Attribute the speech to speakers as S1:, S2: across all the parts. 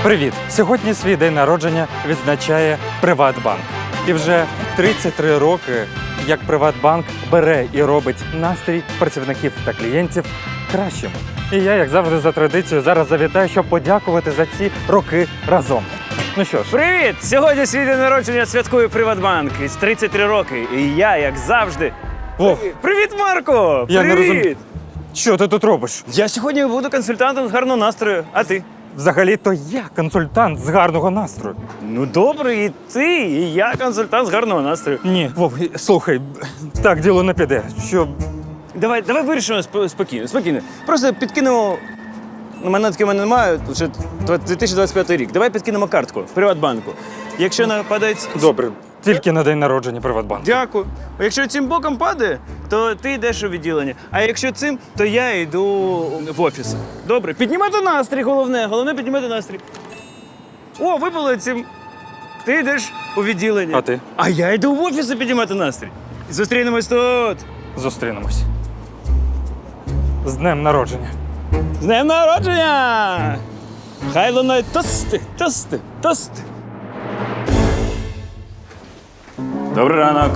S1: Привіт! Сьогодні свій день народження відзначає Приватбанк. І вже 33 роки, як Приватбанк бере і робить настрій працівників та клієнтів кращим. І я, як завжди, за традицією, зараз завітаю, щоб подякувати за ці роки разом. Ну що ж,
S2: Привіт! Сьогодні свій день народження святкує Приватбанк. Із 33 роки. І я, як завжди.
S1: Вов,
S2: Привіт, Марко!
S1: я не розумію.
S2: Привіт!
S1: Що ти тут робиш?
S2: Я сьогодні буду консультантом з гарного настрою. А ти?
S1: Взагалі-то я консультант з гарного настрою.
S2: Ну добре, і ти, і я консультант з гарного настрою.
S1: Ні, Вов, слухай, так діло не піде. Що
S2: Давай вирішимо спокійно. Просто підкинемо. Монетки в мене немає, вже 2025 рік. Давай підкинемо картку в Приватбанку. Якщо нападається.
S1: добре, тільки на день народження Приватбанку.
S2: Дякую. Якщо цим боком падає, то ти йдеш у відділення. А якщо цим, то я йду в офіс. Добре, піднімати настрій, головне піднімати настрій. О, випало цим. Ти йдеш у відділення.
S1: А ти?
S2: А я йду в офіс піднімати настрій. Зустрінемось тут.
S1: Зустрінемось. З днем народження.
S2: З днем народження! Хай лунають тости. Добрий ранок.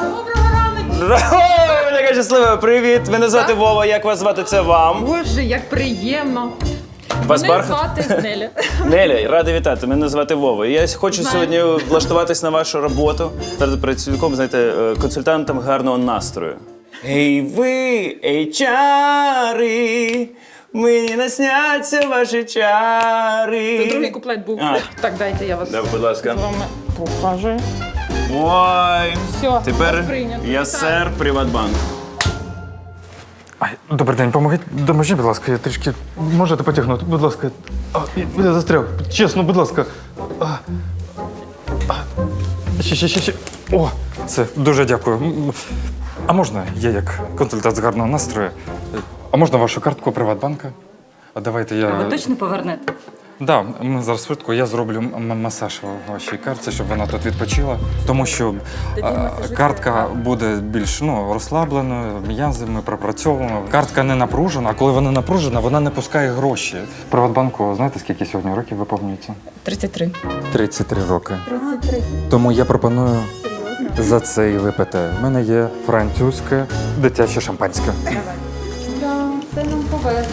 S2: Ой, ви така щаслива. Привіт, мене звати Вова. Як вас звати? Це вам.
S3: Боже, як приємно.
S2: Вас
S3: Мене
S2: Бархат?
S3: звати Неля.
S2: Неля, радий вітати. Мене звати Вова. Я хочу
S3: Знаю.
S2: сьогодні влаштуватись на вашу роботу. Стати працівником, знаєте, консультантом гарного настрою. Ей ви, HR, мені насняться ваші чари.
S3: Це другий куплет був.
S2: А.
S3: Так, дайте я вас
S2: Да, будь ласка.
S3: з вами покажу.
S2: Ой,
S3: Все,
S2: тепер
S3: вас прийнято.
S2: я
S3: Так.
S2: сер Приватбанк.
S1: Ай, добрий день, допоможіть, будь ласка, я трішки можете потягнути, будь ласка. Я застряг. Чесно, будь ласка. Ще. О, це дуже дякую. А можна, я як консультант з гарного настрою? А можна вашу картку Приватбанка? А давайте я.
S4: Ви точно повернете?
S1: Да, ми зараз швидко. Я зроблю масаж вашій картці, щоб вона тут відпочила. Тому що картка буде більш розслабленою, м'язи ми пропрацьовуємо. Картка не напружена, а коли вона напружена, вона не пускає гроші. Приватбанку, знаєте, скільки сьогодні років виповнюється?
S3: 33.
S1: 33 роки. 33. Тому я пропоную за це і випити. У мене є французьке дитяче шампанське.
S3: Да, це нам повезло.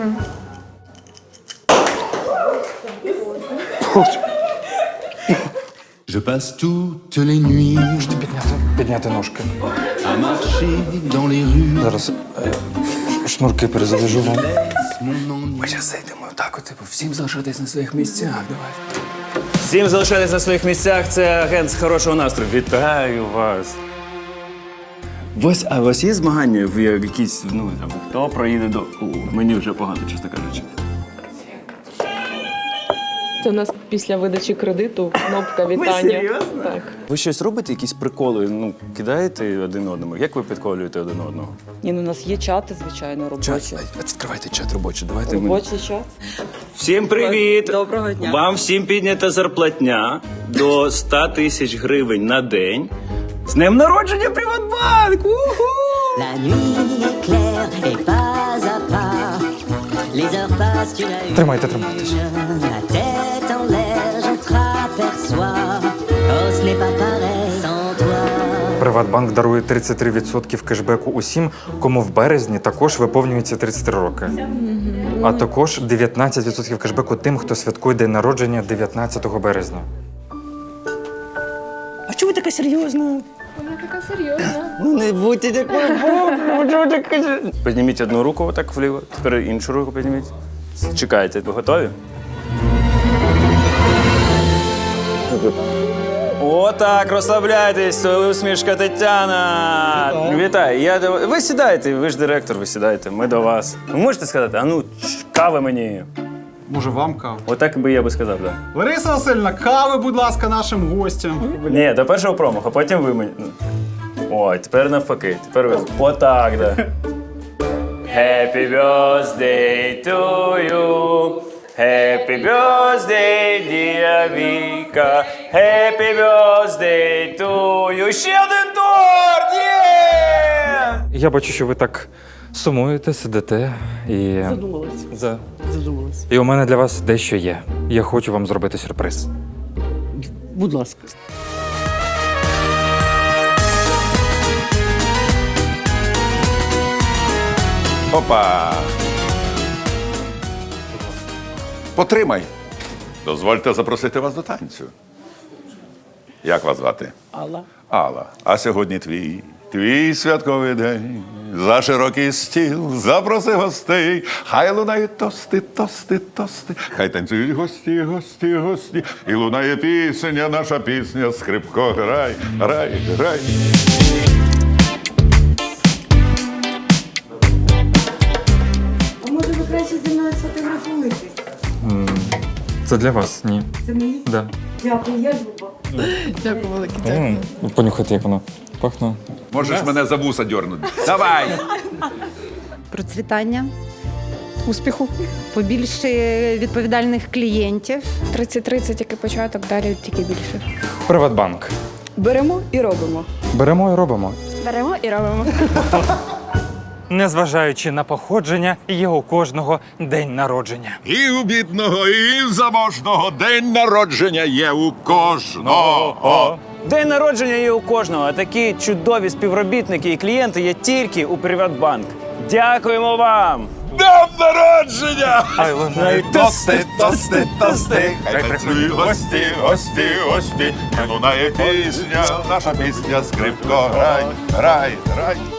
S5: Je passe toutes les nuits
S1: Можете підняти ножки.
S5: à marcher dans les rues.
S1: Зараз шнурки перезавяжу вам.
S5: Mon ennui.
S2: Ми зараз зайдемо так, всім залишатись на своїх місцях. Давай. Всім залишатись на своїх місцях. Це агент з хорошого настрою. Вітаю вас. А у вас є змагання в якісь, там, хто проїде до. Мені вже погано, чесно кажучи.
S6: Це у нас після видачі кредиту кнопка вітання.
S2: серйозно?
S6: Так.
S2: Ви щось робите, якісь приколи, кидаєте один одному? Як ви підколюєте один одного?
S6: Ні, ну у нас є чати, звичайно, робочі.
S2: Відкривайте чат робочий, давайте.
S6: Робочий чат.
S2: Всім привіт!
S6: Доброго дня.
S2: Вам всім піднята зарплатня до 100 тисяч гривень на день. З днем народження Приватбанк! Уху!
S7: La nuit est claire et pas à pas, les heures passent, tu n'as eu
S1: Тримайте.
S7: la tête en l'air, je t'aperçois, oh ce n'est pas pareil sans toi.
S1: Приватбанк дарує 33% кешбеку усім, кому в березні також виповнюється 33 роки. А також 19% кешбеку тим, хто святкує день народження 19 березня.
S2: А чому ви така серйозна?
S3: Вона така серйозна.
S2: Ну не будьте такою боком, Підніміть одну руку отак вліво, тепер іншу руку підніміть. Чекайте, ви готові? Отак, розслабляйтесь, усмішка Тетяна. Вітаю. Ви сідайте, ви ж директор, ви сідайте, ми до вас. Ви можете сказати, кави мені.
S8: Може, вам каву?
S2: Отак би я би сказав, так.
S8: Лариса Васильівна, кави, будь ласка, нашим гостям.
S2: Ні, до першого промаху, потім ви мені. Ой, тепер навпаки. Тепер ви. Отак, да. Happy birthday to you. Happy birthday, dear Віка. Happy birthday to you. Ще один торт! Є!
S1: Я бачу, що ви так сумуєте, сидите і.
S6: Задумалась. Задумалась.
S1: І у мене для вас дещо є. Я хочу вам зробити сюрприз.
S6: Будь ласка.
S4: Опа! Потримай. Дозвольте запросити вас до танцю. Як вас звати?
S6: Алла.
S4: Алла. А сьогодні твій святковий день. За широкий стіл запроси гостей. Хай лунають тости, тости, тости. Хай танцюють гості, гості, гості. І лунає пісня, наша пісня, скрипко, грай, грай, грай.
S9: А може ви краще зі мною сфотографуєтесь?
S1: Це для вас, ні.
S9: Це мені?
S1: Да.
S9: Дякую, я Люба.
S3: Дякую велике.
S1: Понюхайте, як воно пахне.
S4: Можеш мене за вуса дьорнути. Давай!
S9: Процвітання, успіху, побільше відповідальних клієнтів.
S3: 30-30, який початок, далі тільки більше.
S1: Приватбанк.
S6: Беремо і робимо.
S1: Беремо і робимо.
S3: Беремо і робимо.
S1: Незважаючи на походження, є у кожного день народження.
S4: І у бідного, і в заможного день народження є у кожного.
S2: День народження є у кожного, а такі чудові співробітники і клієнти є тільки у Приватбанк. Дякуємо вам!
S4: Днем народження!
S1: Хай лунають
S4: Тости, тости, тости, хай танцюють гості, гості, гості. Хай лунає пісня, наша пісня, скрипко, грай, грай, грай.